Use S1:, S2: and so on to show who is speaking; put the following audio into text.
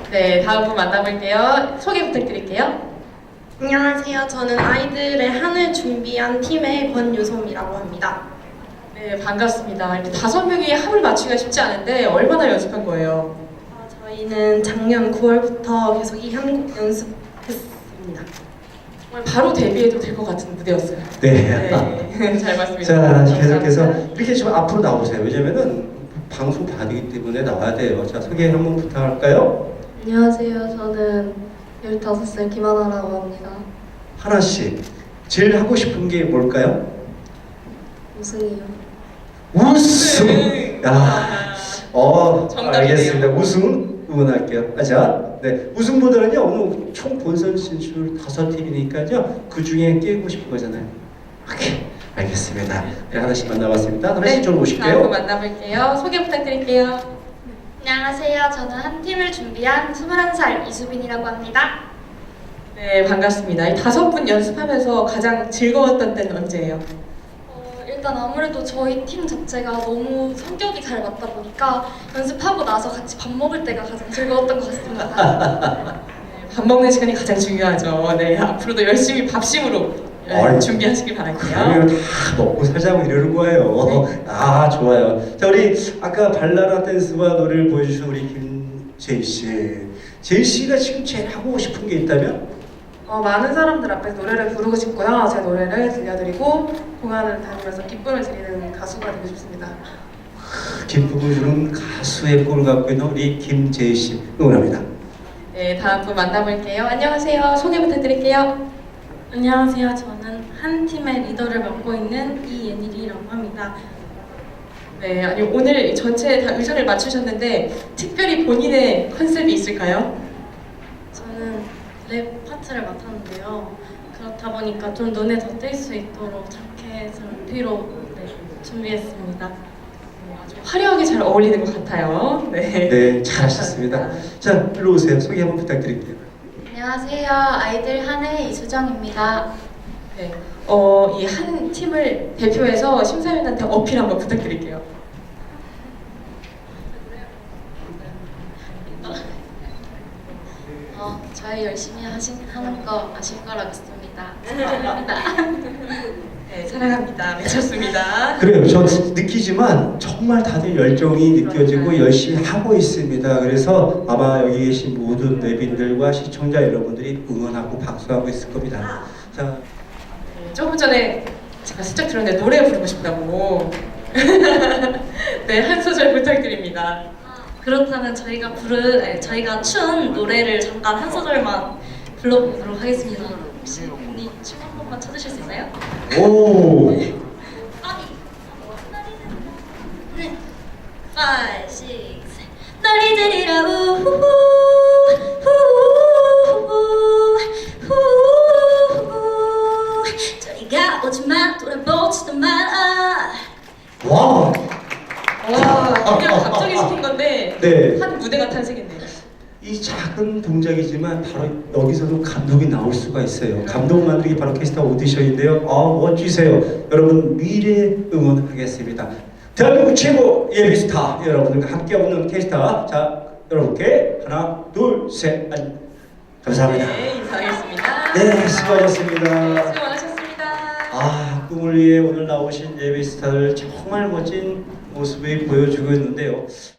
S1: 네, 다음 분 만나볼게요. 소개 부탁드릴게요.
S2: 안녕하세요. 저는 아이들의 한을 준비한 팀의 권유솜이라고 합니다.
S1: 네, 반갑습니다. 이렇게 5명이 합을 맞추기가 쉽지 않은데 얼마나 연습한 거예요?
S2: 저희는 작년 9월부터 계속 이 한곡 연습했습니다.
S1: 정말 바로 데뷔해도 될 것 같은 무대였어요.
S3: 네.
S1: 네, 잘 봤습니다.
S3: 자, 계속해서
S1: 감사합니다.
S3: 이렇게 좀 앞으로 나오세요. 왜냐면은 방송 받이기 때문에 나와야 돼요. 자, 소개 한번 부탁할까요?
S4: 안녕하세요. 저는 15살 김하나라고 합니다.
S3: 하나씩 제일 하고 싶은 게 뭘까요?
S4: 우승이요.
S3: 우승!
S1: 네.
S3: 야,
S1: 정답이네요.
S3: 알겠습니다. 우승 응원할게요. 자, 네, 우승보다는요, 오늘 총 본선 진출 5팀이니까요, 그 중에 깨고 싶은 거잖아요. 오케이, 알겠습니다. 네, 하나씩 만나봤습니다. 하나씩 좀
S1: 다음 분
S3: 오실게요.
S1: 만나볼게요. 소개 부탁드릴게요.
S5: 안녕하세요. 저는 한 팀을 준비한 21살 이수빈이라고 합니다.
S1: 네, 반갑습니다. 이 5분 연습하면서 가장 즐거웠던 때는 언제예요?
S5: 일단 아무래도 저희 팀 자체가 너무 성격이 잘 맞다 보니까 연습하고 나서 같이 밥 먹을 때가 가장 즐거웠던 것 같습니다.
S1: 밥 먹는 시간이 가장 중요하죠. 네, 앞으로도 열심히 밥심으로
S3: 어이.
S1: 준비하시길 바랄게요.
S3: 그러면 다 먹고 살자고 이러는 거예요. 아, 좋아요. 자, 우리 아까 발라라 댄스와 노래를 보여주신 우리 김재희 씨. 재희 씨가 지금 제일 하고 싶은 게 있다면?
S2: 많은 사람들 앞에서 노래를 부르고 싶고요. 제 노래를 들려드리고 공연을 다니면서 기쁨을 드리는 가수가 되고 싶습니다.
S3: 기쁨을 주는 가수의 꿈을 갖고 있는 우리 김재희 씨 응원합니다.
S1: 네, 다음 분 만나볼게요. 안녕하세요. 소개 부탁드릴게요.
S2: 안녕하세요. 저는 한 팀의 리더를 맡고 있는 이예닐이라고 합니다.
S1: 네, 아니 오늘 전체 다 의상을 맞추셨는데 특별히 본인의 컨셉이 있을까요?
S2: 저는 랩 파트를 맡았는데요. 그렇다 보니까 좀 눈에 더 띌 수 있도록 자켓을 피로 준비했습니다.
S1: 아주 화려하게 잘 어울리는 것 같아요. 네.
S3: 네, 잘하셨습니다. 자, 일로 오세요. 소개 한번 부탁드릴게요.
S5: 안녕하세요. 아이들 한의 이수정입니다.
S1: 네. 이 한 팀을 대표해서 심사위원한테 어필 한번 부탁드릴게요.
S5: 저희 열심히 하는 거 아실 거라 믿습니다. 사랑합니다.
S1: 네, 사랑합니다. 미쳤습니다.
S3: 그래요. 저 느끼지만 정말 다들 열정이 느껴지고 열심히 하고 있습니다. 그래서 아마 여기 계신 모든 내빈들과 시청자 여러분들이 응원하고 박수하고 있을 겁니다. 자,
S1: 네, 조금 전에 제가 슬쩍 들었는데 노래 부르고 싶다고. 네, 한 소절 부탁드립니다.
S4: 그렇다면 저희가 춘 노래를 잠깐 한 소절만 불러보도록 하겠습니다. 혹시 언니 춤 한 번만 쳐주실 수 있나요?
S3: 오!
S4: 5, 6, 7 너리 들이라 우후후 후후후 저리가 오지마 돌아보지도 마라.
S3: 와!
S1: 그냥 갑자기 시킨 건데
S3: 네.
S1: 한 무대가 탄생했네요.
S3: 이 작은 동작이지만 바로 여기서도 감동이 나올 수가 있어요. 감동 만들기 바로 캐스터 오디션인데요. 멋지세요. 여러분 미래 응원하겠습니다. 대한민국 최고 예비스타 여러분들과 함께 오는 캐스터. 자, 여러분께 하나, 둘, 셋, 감사합니다.
S1: 네, 인사하겠습니다.
S3: 네, 수고하셨습니다.
S1: 수고 많으셨습니다.
S3: 꿈을 위해 오늘 나오신 예비스타들 정말 멋진 모습을 보여주고 있는데요.